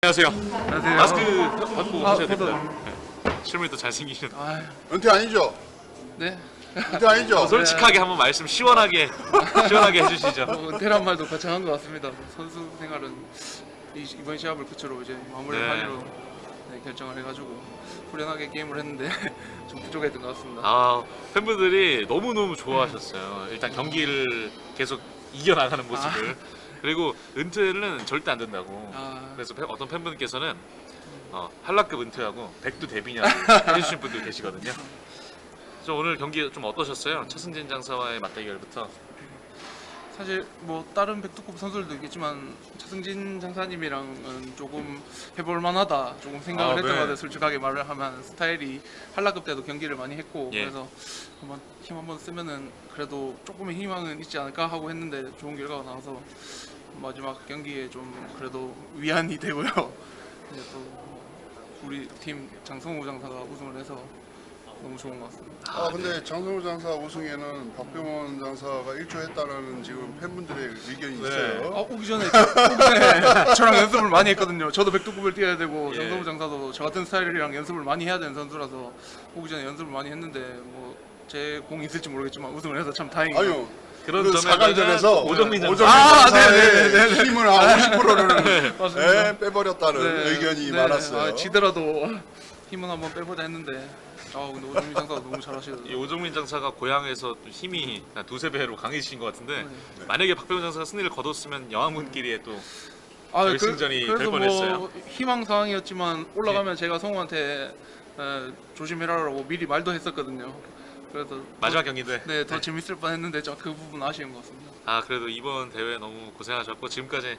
안녕하세요. 안녕하세요. 마스크 받고 하셔야 저도. 됩니다. 네. 실물도 잘생기신. 아, 은퇴 아니죠? 네. 은퇴 아니죠? 솔직하게 한번 말씀 시원하게 해주시죠. 은퇴란 말도 거창한 것 같습니다. 선수 생활은 이번 시합을 끝으로 이제 마무리를 네. 하기로 결정을 해가지고 후련하게 게임을 했는데 좀 부족했던 것 같습니다. 아 팬분들이 너무 좋아하셨어요. 일단 경기를 계속 이겨나가는 모습을. 그리고 은퇴는 절대 안 된다고. 아. 그래서 어떤 팬분께서는 한라급 은퇴하고 백두 데뷔냐고 해주신 분들 계시거든요. 그래서 오늘 경기 좀 어떠셨어요? 차승진 장사와의 맞대결부터. 사실 뭐 다른 백두급 선수들도 있겠지만 차승진 장사님이랑은 조금 해볼 만하다 조금 생각을 아, 했던 네. 것 같아요. 솔직하게 말을 하면 스타일이 한라급 때도 경기를 많이 했고 예. 그래서 한번 힘 한번 쓰면은 그래도 조금의 희망은 있지 않을까 하고 했는데 좋은 결과가 나와서 마지막 경기에 좀 그래도 위안이 되고요. 이제 또 우리 팀 장성우 장사가 우승을 해서 너무 좋은 것 같습니다. 근데 장성우 장사 우승에는 박병원 장사가 일조했다는 지금 팬분들의 의견이 네. 있어요. 오기 전에 저랑 연습을 많이 했거든요. 저도 백두급을 뛰어야 되고 예. 장성우 장사도 저 같은 스타일이랑 연습을 많이 해야 되는 선수라서 오기 전에 연습을 많이 했는데 뭐 제 공이 있을지 모르겠지만 우승을 해서 참 다행이에요. 아유, 그런 그 점에서는 4강전에서 오정민 장사. 장사의 힘을 한 50%를 맞습니다. 빼버렸다는 네, 의견이 네. 많았어요. 지더라도 힘은 한번 빼보자 했는데 근데 오정민 장사가 너무 이 잘하시더라고요. 오정민 장사가 고향에서 좀 힘이 한 두세 배로 강해지신 것 같은데 네. 만약에 박병호 장사가 승리를 거뒀으면 영화문끼리에 또 아, 결승전이 될 그래서 뻔했어요. 뭐 희망 사항이었지만 올라가면 제가 성우한테 조심해라라고 미리 말도 했었거든요. 그래서 마지막 경기인데 네, 더 재밌을 뻔했는데 그 부분 아쉬운 것 같습니다. 그래도 이번 대회 너무 고생하셨고 지금까지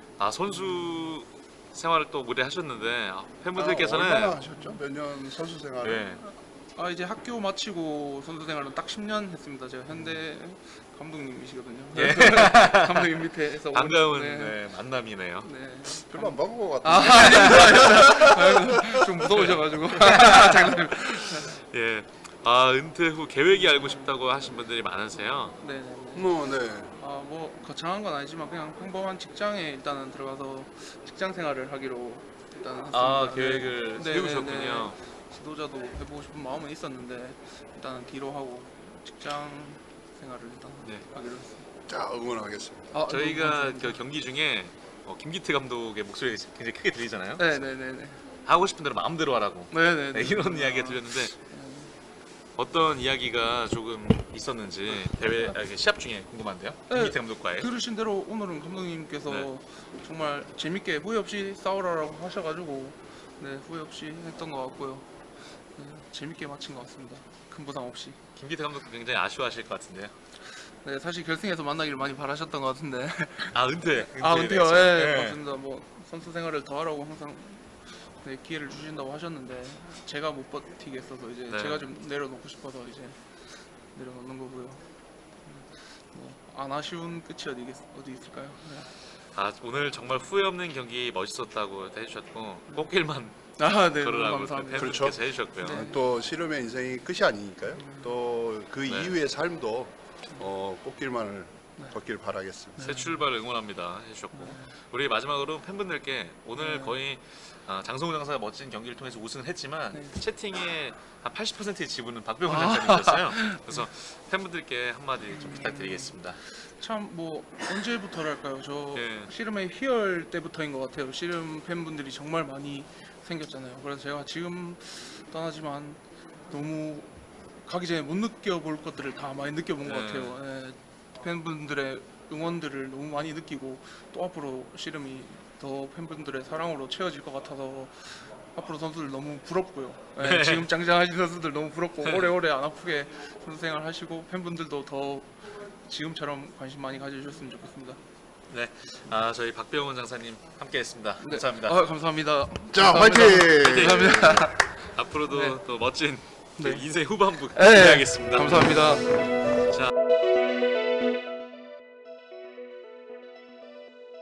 선수 생활을 또 오래 하셨는데 팬분들께서는 얼마나 하셨죠? 몇 년 선수 생활을? 네, 이제 학교 마치고 선수 생활은 딱 10년 했습니다. 제가 현대 감독님이시거든요. 예. 감독님 밑에서 반가운 네. 네, 만남이네요. 네. 별로 안 바꾼 것 아, 같아요. 아닙니다. 좀 무서우셔가지고. 장난님. 예, 은퇴 후 계획이 알고 싶다고 하신 분들이 많으세요. 네. 네. 뭐 거창한 건 아니지만 그냥 평범한 직장에 일단은 들어가서 직장 생활을 하기로 일단 했습니다. 계획을 네, 세우셨군요. 지도자도 해보고 싶은 마음은 있었는데 일단은 뒤로 하고 직장 생활을 일단 네. 하기로 했습니다. 자, 응원하겠습니다. 저희가 그 경기 중에 김기태 감독의 목소리가 굉장히 크게 들리잖아요. 네네네네. 하고 싶은 대로 마음대로 하라고 네네네. 네, 이런 이야기가 들렸는데 어떤 이야기가 조금 있었는지 대회 시합 중에 궁금한데요. 네. 김기태 감독과의 들으신 대로 오늘은 감독님께서 네. 정말 재밌게 후회 없이 싸우라고 하셔가지고 네 후회 없이 했던 것 같고요. 네, 재밌게 마친 것 같습니다. 큰 부상 없이. 김기태 감독도 굉장히 아쉬워하실 것 같은데요. 네 사실 결승에서 만나기를 많이 바라셨던 것 같은데. 은퇴. 은퇴요. 됐죠. 네, 네. 맞습니다. 뭐 선수 생활을 더 하라고 항상 기회를 주신다고 하셨는데 제가 못 버티겠어서 이제 네. 제가 좀 내려놓고 싶어서 이제 내려놓는 거고요. 안 아쉬운 끝이 어디 있을까요? 네. 오늘 정말 후회 없는 경기 멋있었다고 해주셨고 꽃길만 네, 너무 걸으라고 감사합니다. 팬분께서 그렇죠. 해주셨고요. 네. 또 씨름의 인생이 끝이 아니니까요. 또 그 네. 이후의 삶도 꽃길만을 걷길 바라겠습니다. 새 출발 응원합니다 해주셨고 우리 마지막으로 팬분들께 오늘 거의 장성우 장사가 멋진 경기를 통해서 우승을 했지만 네. 채팅의 한 80%의 지분은 박병호 장사님이셨어요. 그래서 팬분들께 한마디 좀 부탁드리겠습니다. 참 뭐 언제부터랄까요? 저 예. 씨름의 희열 때부터인 것 같아요. 씨름 팬분들이 정말 많이 생겼잖아요. 그래서 제가 지금 떠나지만 너무 가기 전에 못 느껴볼 것들을 다 많이 느껴본 것 네. 같아요. 예, 팬분들의 응원들을 너무 많이 느끼고 또 앞으로 씨름이 더 팬분들의 사랑으로 채워질 것 같아서 앞으로 선수들 너무 부럽고요. 예, 네. 지금 짱짱하신 선수들 너무 부럽고 오래오래 안 아프게 선수 생활 하시고 팬분들도 더 지금처럼 관심 많이 가져주셨으면 좋겠습니다. 네, 저희 박병호 장사님 함께했습니다. 네. 감사합니다. 감사합니다. 자, 감사합니다. 화이팅! 감사합니다. 앞으로도 네. 또 멋진 네. 인생 후반부 네. 기대하겠습니다. 감사합니다.